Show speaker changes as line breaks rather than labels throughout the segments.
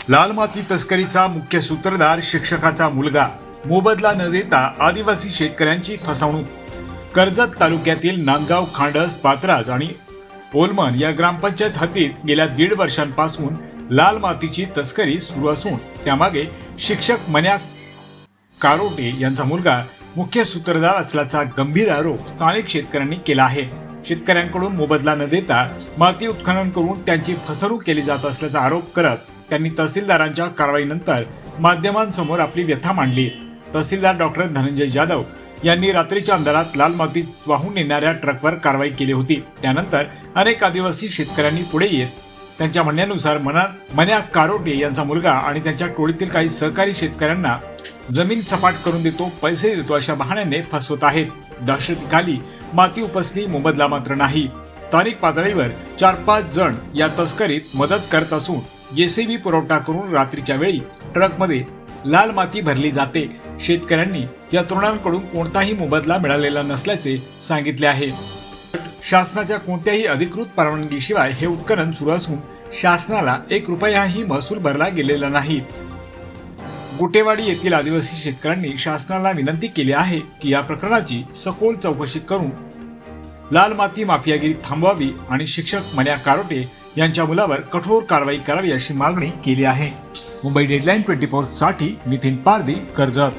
लाल माती तस्करीचा मुख्य सूत्रधार शिक्षकाचा मुलगा, मोबदला न देता आदिवासी शेतकऱ्यांची फसवणूक। कर्जत तालुक्यातील नांदगाव, खांडस, पाथराज आणि ओलमन या ग्रामपंचायत हद्दीत गेल्या 1.5 वर्षांपासून लाल मातीची तस्करी सुरू असून त्यामागे शिक्षक मन्या कारोटे यांचा मुलगा मुख्य सूत्रधार असल्याचा गंभीर आरोप स्थानिक शेतकऱ्यांनी केला आहे। शेतकऱ्यांकडून मोबदला न देता माती उत्खनन करून त्यांची फसवणूक केली जात असल्याचा आरोप करत त्यांनी तहसीलदारांच्या कारवाईनंतर माध्यमांसमोर आपली व्यथा मांडली। तहसीलदार डॉक्टर धनंजय जाधव यांनी रात्रीच्या अंधारात लाल माती वाहून नेणाऱ्या ट्रकवर कारवाई केली होती। त्यानंतर अनेक आदिवासी शेतकऱ्यांनी पुढे येत त्यांच्या म्हणण्यानुसार मन्या कारोटे यांचा मुलगा आणि त्यांच्या टोळीतील काही सहकारी शेतकऱ्यांना जमीन सपाट करून देतो, पैसे देतो अशा बहाण्याने फसवत आहेत। दहशतीखाली माती उपसली, मोबदला मात्र नाही। स्थानिक पातळीवर 4-5 जण या तस्करीत मदत करत असून जेसीबी पुरवठा करून रात्रीच्या वेळी ट्रकमध्ये लाल माती भरली जाते। शेतकऱ्यांनी या तरुणांकडून कोणताही मोबदला मिळालेला नसल्याचे सांगितले आहे। शासनाच्या कोणत्याही अधिकृत परवानगीशिवाय हे उत्खनन सुरू असून शासनाला 1 रुपयाही महसूल भरला गेलेला नाही। गुटेवाडी येथील आदिवासी शेतकऱ्यांनी शासनाला विनंती केली आहे की या प्रकरणाची सखोल चौकशी करून लाल माती माफियागिरी थांबवावी आणि शिक्षक मन्या कारोटे यांच्या मुलावर कठोर कारवाई करावी अशी मागणी केली आहे। मुंबई डेडलाईन 24 साठी नितीन पारदी, कर्जत।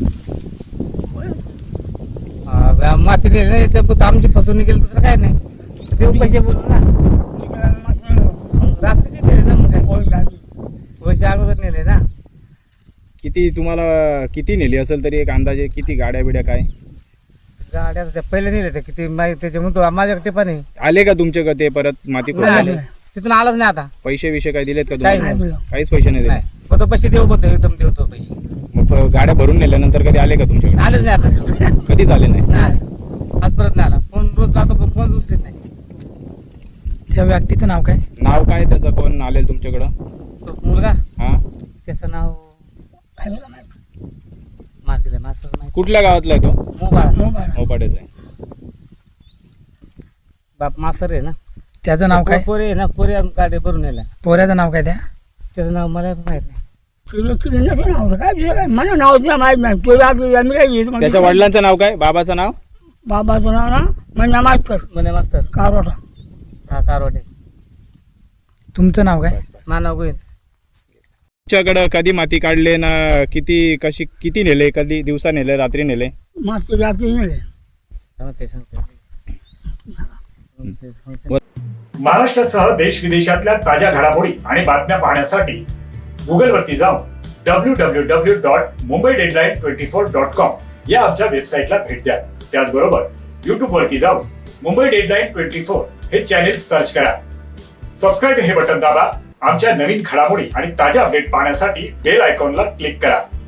माती नाही तर आमची फसवणूक केली, दुसरं काय नाही। देऊ पैसे बोलू ना, रात्रीचे नेले ना, मग काय पैसे अगोदर नेले ना।
किती तुम्हाला किती नेली असेल तरी एक अंदाजे किती गाड्या बिड्या काय?
गाड्या त्या पहिले नेले ते किती त्याच्या म्हणतो माझ्याकडे पण आहे।
आले का तुमच्याकडे ते परत माती
नाही आले, तिथून आलाच नाही आता।
पैसे विषय काय दिलेत का
काहीच
तुम्हाला?
नाही,
काहीच पैसे नाही दिले।
फक्त पैसे देऊ बोलतो, एकदम देतो पैसे।
मग गाड्या भरून नेल्यानंतर कधी आले का तुमच्याकडे?
आलेच नाही आता,
कधीच आले नाही।
आज परत नाही आला। फोन रोज लावतो पण फोन उचलत नाही।
त्या व्यक्तीचं नाव काय?
नाव काय त्याचं? कोण आले तुमच्याकडं?
तो मुलगा,
हा,
त्याचं नाव मार्केट मास्टर नाही,
कुठल्या गावातला आहे तो?
मोबाईल
मोपाड्याचा आहे।
बाप मास्तर आहे ना।
त्याचं नाव काय?
पोरे आहे ना, पोरे गाडी भरून नेला।
पोऱ्याचं नाव काय?
त्याचं नाव मला माहित नाही।
त्याच्या वडिलांचं नाव काय? बाबाचं नाव?
बाबाचं नाव ना म्हणजे
म्हणे मास्तर
कारोटा।
हा कारवाटे।
तुमचं नाव काय?
मानव गोविंद।
तुमच्याकडं कधी माती काढले ना? किती नेले? कधी दिवसा नेले, रात्री नेले?
माती रात्री नेले।
ते सांगते
महाराष्ट्रासह देश विदेशातल्या ताज्या घडामोडी आणि बातम्या पाहण्यासाठी गुगलवरती जाऊन www.mumbaideadline24.com या आमच्या वेबसाईटला भेट द्या। त्याचबरोबर युट्यूबवरती जाऊन मुंबई डेडलाईन 24 हे चॅनेल सर्च करा। सबस्क्राईब हे बटन दाबा। आमच्या नवीन घडामोडी आणि ताज्या अपडेट पाहण्यासाठी बेल आयकॉनला क्लिक करा।